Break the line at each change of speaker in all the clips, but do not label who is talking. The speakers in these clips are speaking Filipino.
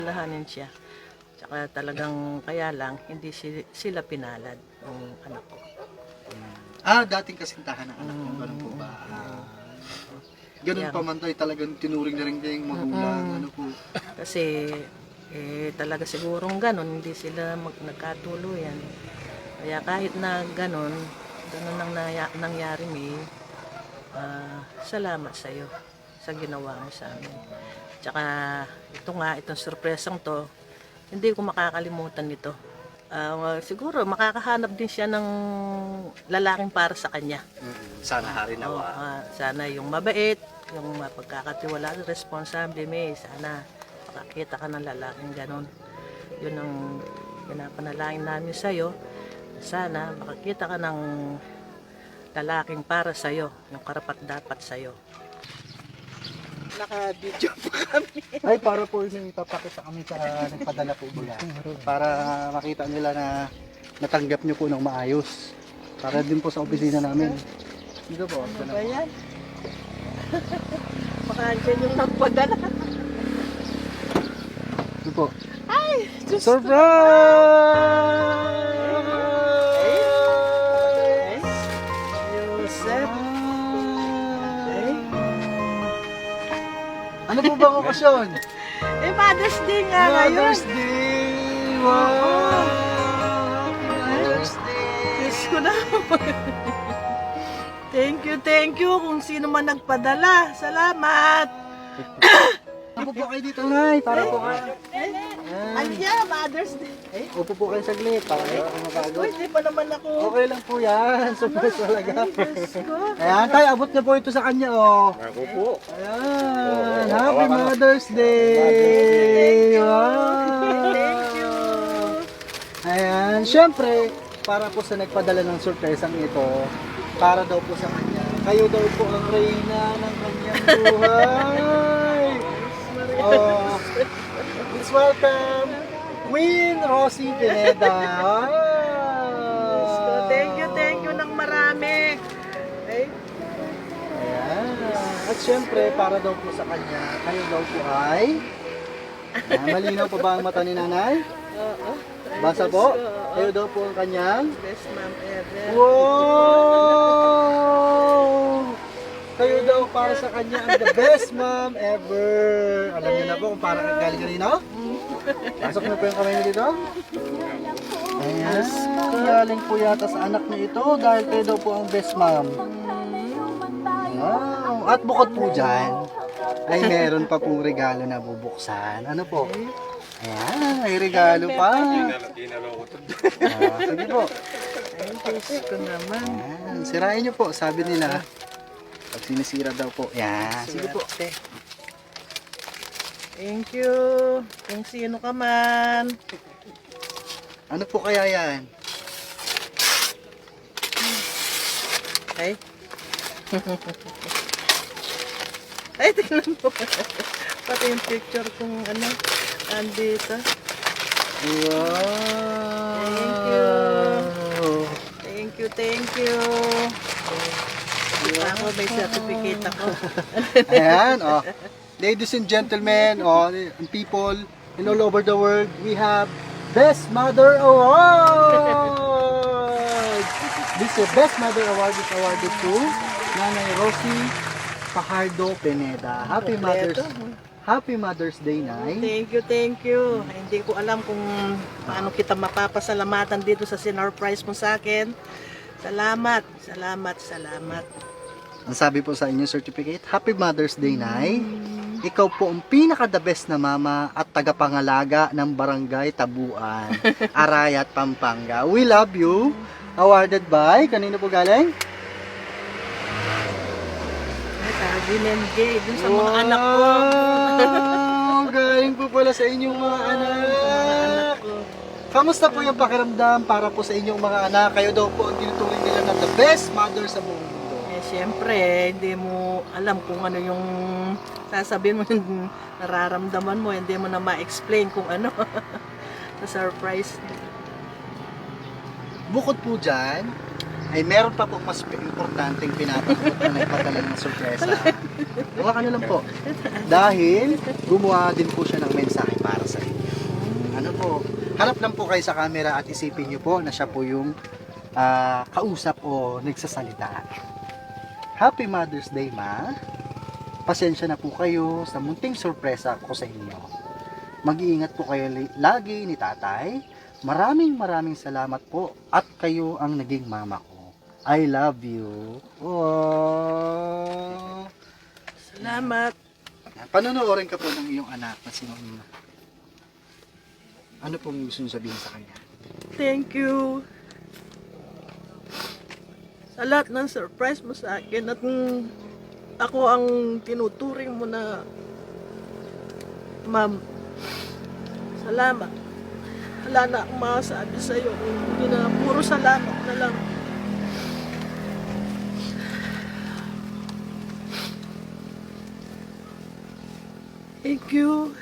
Lahanin siya. Tsaka talagang kaya lang, hindi sila pinalad ng anak ko.
Dating kasintahan ng anak mo, ganun po ba? Ganun
Yeah.
pa man tayo, talagang tinuring na rin niya yung magulang, ano po.
Kasi talaga sigurong ganun, hindi sila nagkatuluyan. Kaya kahit na ganun ang nangyari, May, salamat sa iyo sa ginawa mo sa amin. Tsaka itong surpresang to, hindi ko makakalimutan nito. Siguro makakahanap din siya ng lalaking para sa kanya.
Sana hari nawa.
Sana yung mabait, yung mapagkakatiwalaan, responsable, May. Sana makakita ka ng lalaking ganon. Yun ang pinapanalangin namin sa'yo. Sana makakita ka ng lalaking para sa'yo, yung karapat-dapat sa'yo.
Naka-video po kami.
Ay, para po yung ipapakita kami sa nagpadala po mula. Para makita nila na natanggap nyo po ng maayos. Para din po sa opisina namin. Dito po.
Ano ba yan? Baka andyan yung nagpadala.
Dito po.
Ay! Diyos
Surprise!
Joseph!
Ano po ba ang okasyon?
Mother's Day nga ngayon.
Mother's Day! Wow! Mother's Day!
Diyos ko na. Thank you kung sino man nagpadala. Salamat.
Upo po kayo dito, Nay, para po kayo.
Anya, Mother's Day.
Upo po kayo saglit, para kayo mapagod.
Uy, di pa naman ako.
Okay lang po yan. Surprise talaga.
Diyos ko.
Ayan, tayo, abot na po ito sa kanya, oh.
Ako po.
Ayan, Happy Mother's Day! Wow!
Thank you.
Ayan, syempre, para po sa nagpadala ng surpresang ito, para daw po sa kanya, kayo daw po ang reyna ng kanyang buhay! Oh, please welcome Queen Rosie Pineda! Wow!
Thank you ng marami. Ay,
Ayan. At syempre, para daw po sa kanya, kayo daw po ay... malinaw pa ba ang mata ni nanay?
oo.
Basa po. Kayo daw po ang kanyang...
Best mom ever.
Wow! Kayo daw para sa kanya ang the best mom ever. Alam niyo na po kung parang galing kanino? Pasok na po yung kamay niyo dito. Ayan. Galing po yata sa anak niya ito dahil kayo daw po ang best mom. Wow! At bukod po dyan, ay meron pa pong regalo na bubuksan. Ano po? Ayan, may regalo pa. Sige po.
Ay, Diyos ko naman.
Ayan, sirain niyo po, sabi nila. Pag sinisira daw po. Ayan, sige po.
Swerte. Thank you. Kung sino ka man.
Ano po kaya yan?
Ay. Ay, tingnan mo. Pati yung picture kung ano, andito.
Wow!
Thank you. Ako, may certificate ako.
Ayan, oh. Ladies and gentlemen, and people in all over the world, we have Best Mother Award! This Best Mother Award is awarded to Nanay Rosie Fajardo Pineda. Happy Mother's Day, Nay.
Thank you. Hindi ko alam kung paano kita mapapasalamatan dito sa sinurprise mo sa akin. Salamat.
Ang sabi po sa inyong certificate, Happy Mother's Day, Nay. Ikaw po ang pinaka-the best na mama at tagapangalaga ng Barangay Tabuan, Arayat, Pampanga. We love you. Awarded by, kanino po galing?
Binengay dun sa mga anak ko.
Galing po pala sa inyong mga anak. Kamusta po yung pakiramdam para po sa inyong mga anak? Kayo daw po ang tinuturing nila na the best mother sa buong mundo.
Siyempre, hindi mo alam kung ano yung sasabihin mo, yung nararamdaman mo, hindi mo na ma-explain kung ano. Surprise.
Bukod po dyan, ay meron pa po mas importanteng pinapatakot na nagpadala ng sorpresa. Huwag ka na lang po. Dahil gumawa din po siya ng mensahe para sa inyo. harap lang po kayo sa camera at isipin niyo po na siya po yung kausap o nagsasalita. Happy Mother's Day, Ma. Pasensya na po kayo sa munting sorpresa ko sa inyo. Mag-iingat po kayo lagi ni Tatay. Maraming salamat po at kayo ang naging mama ko. I love you. Oh.
Salamat.
Panonoodin ka po ng iyong anak na si Mama. Ano pong gusto niyo sabihin sa kanya?
Thank you. Sa lahat ng surprise mo sa akin at ako ang tinuturing mo na ma'am. Salamat. Wala na akong masasabi sa'yo. Hindi na, puro salamat na lang. Thank you.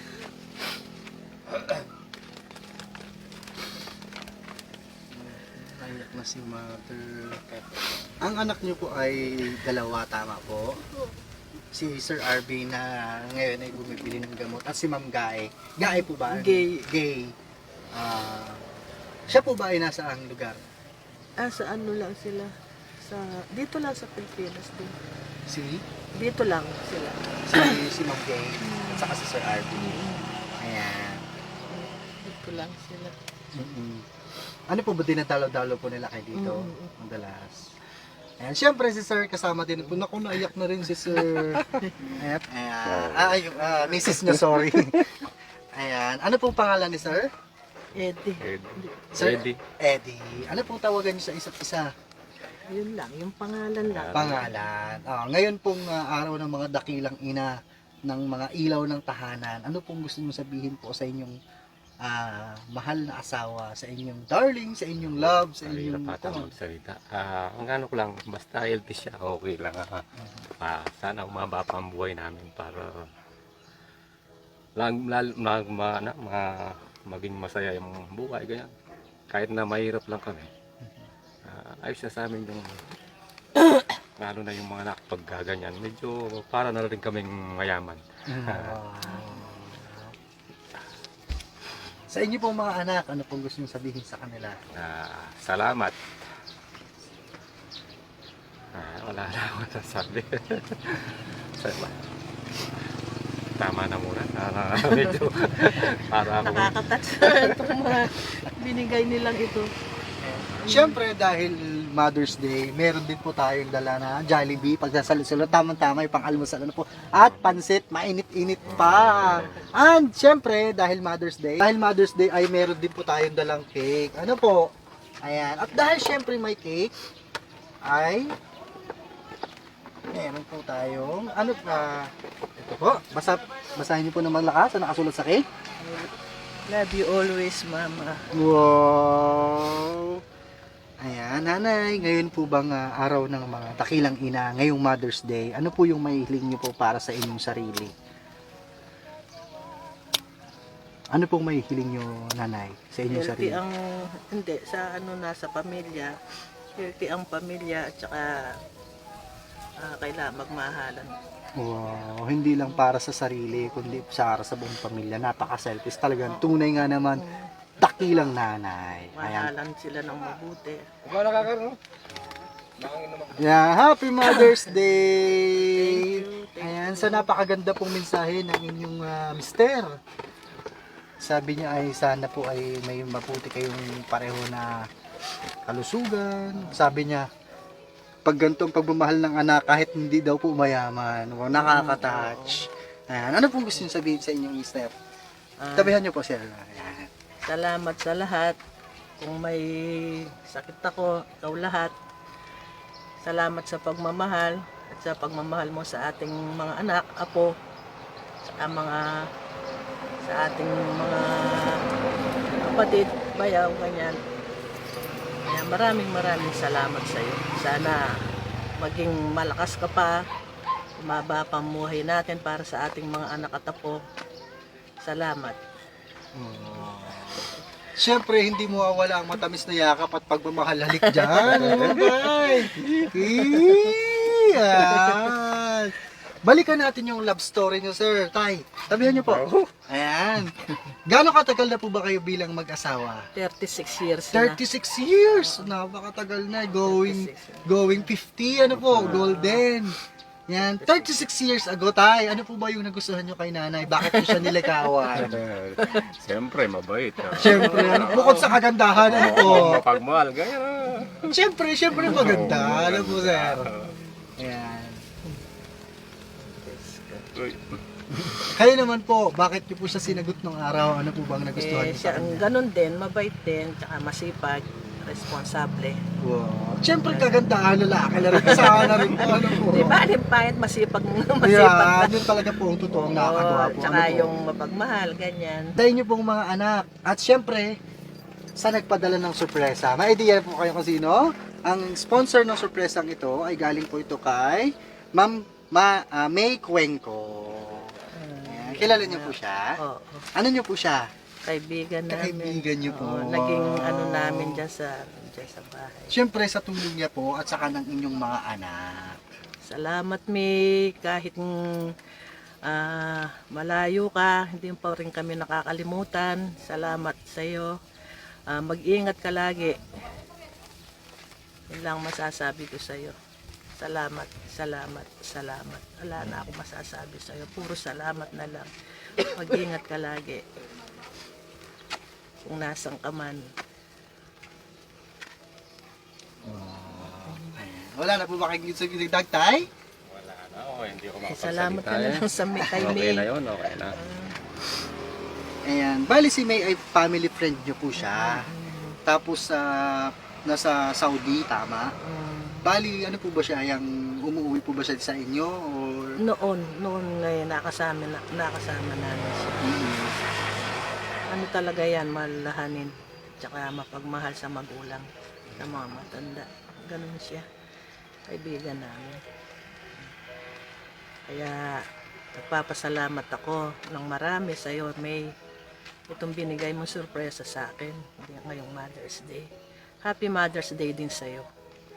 Anak na si Mother. Ang anak niyo po ay dalawa, tama po? Si Sir RB na ngayon ay bumibili ng gamot at si Ma'am Gae. Gae po ba?
Gay.
Gay. Siya po ba ay nasa ang lugar?
Sa ano lang sila? Dito lang sa Pilipinas din.
Si
Dito lang sila.
si Ma'am Gay at saka si Sir RB. Ayan.
Dito lang sila.
Ano po ba dinadalo-dalo po nila kayo dito? Madalas. Ayan, syempre si Sir kasama din po. Naku, naiyak na rin si Sir. Ayan. Mrs. niya, sorry. Ayan. Ano pong pangalan ni Sir?
Eddie.
Sir Eddie. Ano pong tawagan niyo sa isa't isa?
Yun lang, yung pangalan lang.
Pangalan. Ngayon pong araw ng mga dakilang ina ng mga ilaw ng tahanan. Ano pong gusto niyo sabihin po sa inyong mahal na asawa, sa inyong darling, sa inyong love, sa inyong
magsalita. Ang ano ko lang, basta healthy siya, okay lang. Sana umaba pa ang buhay namin para maging masaya yung buhay, ganyan. Kahit na mahirap lang kami. Ayos na sa amin yung lalo na yung mga anak pag ganyan. Medyo para na rin kaming mayaman.
Sa inyo pong mga anak, ano pong gusto niyo sabihin sa kanila?
Salamat. Wala na ako nasasabi. Salamat. Tama na muna. Medyo para ako.
Nakakatats itong mga binigay nilang ito.
Siyempre, dahil Mother's Day, meron din po tayong dala na Jollibee, pagsasalusulo, tamang-tama yung pang-almusal ano po, at pansit, mainit-init pa. And siyempre, dahil Mother's Day ay meron din po tayong dalang cake. Ano po? Ayan. At dahil siyempre may cake, ay meron po tayong, ito po, basahin niyo po ng malakas ang nakasulat sa cake.
Love you always, Mama.
Wow! Ayan, nanay, ngayon po bang araw ng mga dakilang ina, ngayong Mother's Day, ano po yung mahihiling niyo po para sa inyong sarili? Ano pong mahihiling niyo, nanay, sa inyong sarili?
Hindi, sa nasa pamilya, healthy ang pamilya at saka kailangan magmahalan.
Wow, hindi lang para sa sarili, kundi para sa buong pamilya. Napaka-selfish talagang. Tunay nga naman, dakilang nanay. Ayan.
Mahalan sila ng mabuti.
Yeah, Happy Mother's Day!
Thank you.
Ayan, sa napakaganda pong mensahe ng inyong mister. Sabi niya ay sana po ay may mabuti kayong pareho na kalusugan. Sabi niya, pag ganitong pagmamahal ng anak, kahit hindi daw po mayaman. Wow, nakaka-touch. Ayan, ano pong gusto niyo sabihin sa inyong mister? Tabihan niyo po siya. Ayan.
Salamat sa lahat. Kung may sakit ako, ikaw lahat. Salamat sa pagmamahal at sa pagmamahal mo sa ating mga anak, apo, sa ating mga kapatid, bayaw, ganyan. Kaya maraming salamat sa iyo. Sana maging malakas ka pa, umaba pa ang buhay natin para sa ating mga anak at apo. Salamat.
Siyempre, hindi mo mawawala ang matamis na yakap at pagmamahal. Halik dyan. Ay, Balikan natin yung love story niyo, sir. Tay, tabihan niyo po. Ayan. Gaano katagal na po ba kayo bilang mag-asawa?
36 years na.
36 years. Napakatagal na. Going 50. Ano po? Golden. Yan. 36 years ago, tay. Ano po ba yung nagustuhan nyo kay nanay? Bakit po siya nilikawan?
Siyempre, mabait.
Siyempre, ano, bukod sa kagandahan, ano po?
Mapagmahal, ganyan.
Siyempre maganda. Ano po, sir? Yan. Kayo naman po, bakit niyo po siya sinagot nung araw? Ano po bang nagustuhan niyo
Siya
sa
ang
kanya?
ganun din, mabait din, tsaka masipag, responsable.
Wow. Siyempre, kagandahan lalaki na rin. Kasama na rin po. Ano po?
Di ba, pahit masipag masipag
Yeah,
na.
yun talaga po ang totoong nakakagawa po.
Tsaka
Ano po?
yung mapagmahal, ganyan.
Dahil niyo pong mga anak. At syempre, sa nagpadala ng sorpresa. May idea po kayo kung sino? Ang sponsor ng sorpresang ito ay galing po ito kay Ma'am May Cuenco. Ayan. Kilala niyo po siya?
Oo.
Ano niyo po siya?
Kaibigan namin.
Kaibigan niyo po.
Oo, naging ano namin dyan sa bahay.
Siyempre sa tulong niya po at saka ng inyong mga anak.
Salamat, May. Kahit malayo ka, hindi pa rin kami nakakalimutan. Salamat sa iyo. Mag-ingat ka lagi. Yun lang masasabi ko sa iyo. Salamat, salamat, salamat. Wala na ako masasabi sa iyo. Puro salamat na lang. Mag-ingat ka lagi. Kung nasan ka man.
Wala na po ba kayong gusto dagtay?
Wala na, hindi ko
Salamat ka na lang sa kay
Okay
May.
na yun, okay na.
Ayan. Bali si May ay family friend niyo po siya. Tapos nasa Saudi, tama? Bali, ano po ba siya? Yung umuwi po ba siya sa inyo? Or...
Noon nakasama namin siya. Ano talaga yan, malahanin. Tsaka mapagmahal sa magulang, sa mga matanda. Ganun siya. Kaibigan namin. Kaya nagpapasalamat ako ng marami sa iyo, May. Itong binigay mong sorpresa sa akin ngayong Mother's Day. Happy Mother's Day din sa iyo.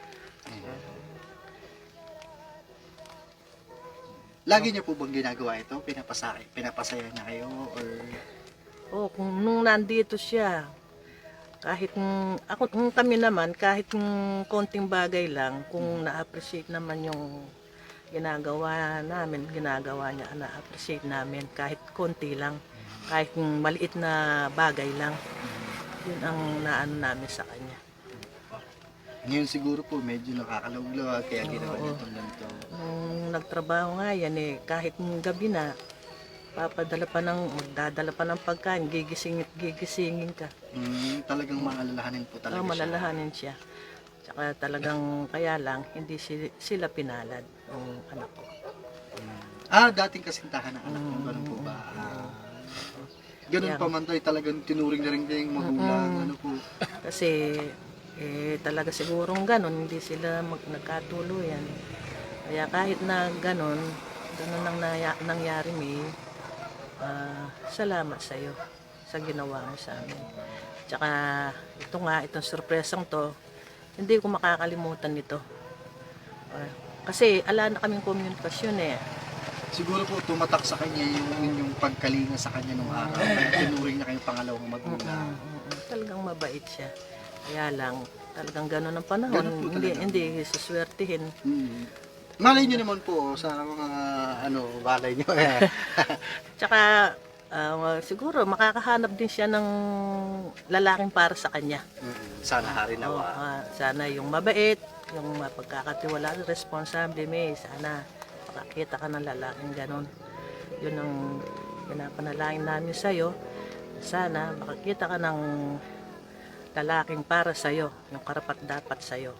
Lagi niyo po bang ginagawa ito? Pinapasaya niya kayo? Or...
Kung nung nandito siya, kahit kami naman, kahit konting bagay lang, kung na-appreciate naman yung ginagawa niya, na-appreciate namin, kahit konti lang, kahit maliit na bagay lang, yun ang naano namin sa kanya.
Ngayon siguro po medyo nakakalawlaw kaya ginawa niya itong ganito.
Nung nagtrabaho nga yan kahit gabi na, magdadala pa ng pagkain, gigisingin ka.
Talagang maalalahanin po talaga siya.
Malalahanin siya. Tsaka talagang kaya lang, hindi sila pinalad ng anak ko.
Dating kasintahan ng anak mo, ganun po ba? Ganun pa man tayo, talagang tinuring na rin kayong magulang, ano po.
Kasi talaga sigurong ganun, hindi sila nagkatuluyan. Kaya kahit na ganun ang nangyari, May, salamat sa iyo sa ginawa mo sa amin. Tsaka itong sorpresang to, hindi ko makakalimutan nito. Kasi ala na kaming komunikasyon
Siguro po tumatak sa kanya yung inyong pagkalinga sa kanya nung araw. Kaya tinuring na kayong pangalawang magulang.
Talagang mabait siya. Kaya lang, talagang ganun ang panahon.
Ganun po
Hindi suswertihin.
Malay nyo naman po sa mga balay nyo.
Tsaka siguro makakahanap din siya ng lalaking para sa kanya.
Sana hari nawa.
Sana yung mabait, yung mapagkakatiwalaan, responsable, May. Sana makakita ka ng lalaking ganon. Yun ang pinapanalangin namin sa'yo. Sana makakita ka ng lalaking para sa'yo, yung karapat dapat sa'yo.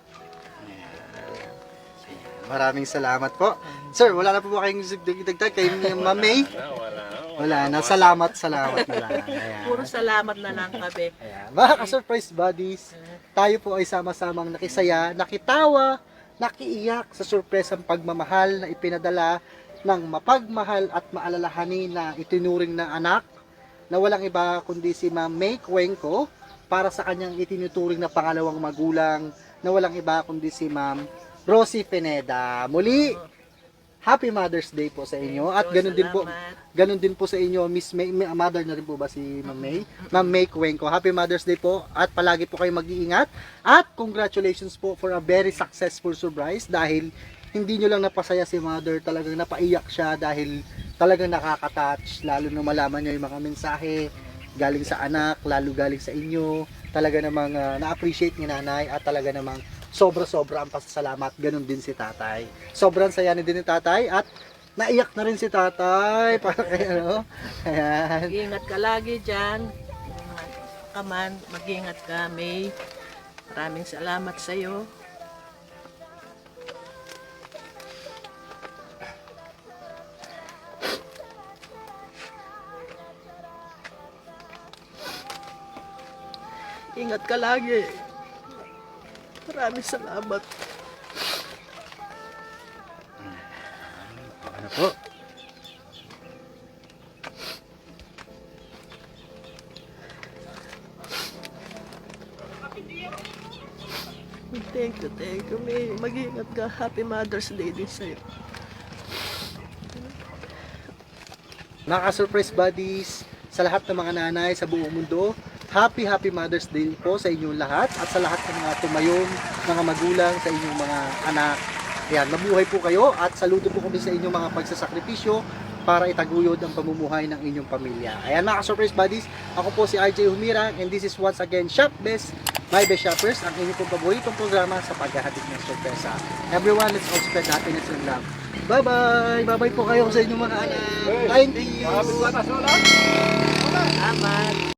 Maraming salamat po. Sir, wala na po ba kayong dagdag kay Ma'am May? Wala na. Salamat na lang. Ayan.
Puro salamat na lang kami.
Ayan. Mga ka-surprise buddies, tayo po ay sama-samang nakisaya, nakitawa, nakiiyak sa surpresang pagmamahal na ipinadala ng mapagmahal at maalalahanin na itinuring na anak na walang iba kundi si Ma'am May Cuenco para sa kanyang itinuturing na pangalawang magulang na walang iba kundi si Ma'am Rosie Pineda. Muli, Happy Mother's Day po sa inyo. At ganun din po,
Salamat.
ganun din po sa inyo, Miss May, mother na rin po ba si Ma'am May? Ma'am May Cuenco. Happy Mother's Day po at palagi po kayo mag-iingat. At congratulations po for a very successful surprise dahil hindi nyo lang napasaya si Mother, talagang napaiyak siya dahil talagang nakaka-touch, lalo na malaman nyo yung mga mensahe galing sa anak, lalo galing sa inyo. Talaga namang na-appreciate ni nanay at talaga namang sobra-sobra ang pasasalamat. Ganun din si tatay. Sobrang saya din ni tatay at naiyak na rin si tatay. Para kay ano. Ayan.
Mag-ingat ka lagi dyan. Kaman, mag-ingat ka, May. Maraming salamat sa iyo. Ingat ka lagi. Maraming salamat.
Ano po?
Thank you, May. Mag-ingat ka. Happy Mother's Day din sa'yo.
Naka-surprise buddies sa lahat ng mga nanay sa buong mundo. Happy Mother's Day po sa inyong lahat at sa lahat ng mga tumayong mga magulang sa inyong mga anak. Ayan, mabuhay po kayo at saludo po kami sa inyong mga pagsasakripisyo para itaguyod ang pamumuhay ng inyong pamilya. Ayan mga surprise buddies, ako po si RJ Humirang and this is once again Shop Best, My Best Shoppers, ang inyong pong paboritong programa sa paghahatid ng sorpresa. Everyone, let's all spread happiness and love. Bye-bye! Bye-bye po kayo sa inyong mga anak. Thank you!
Salamat.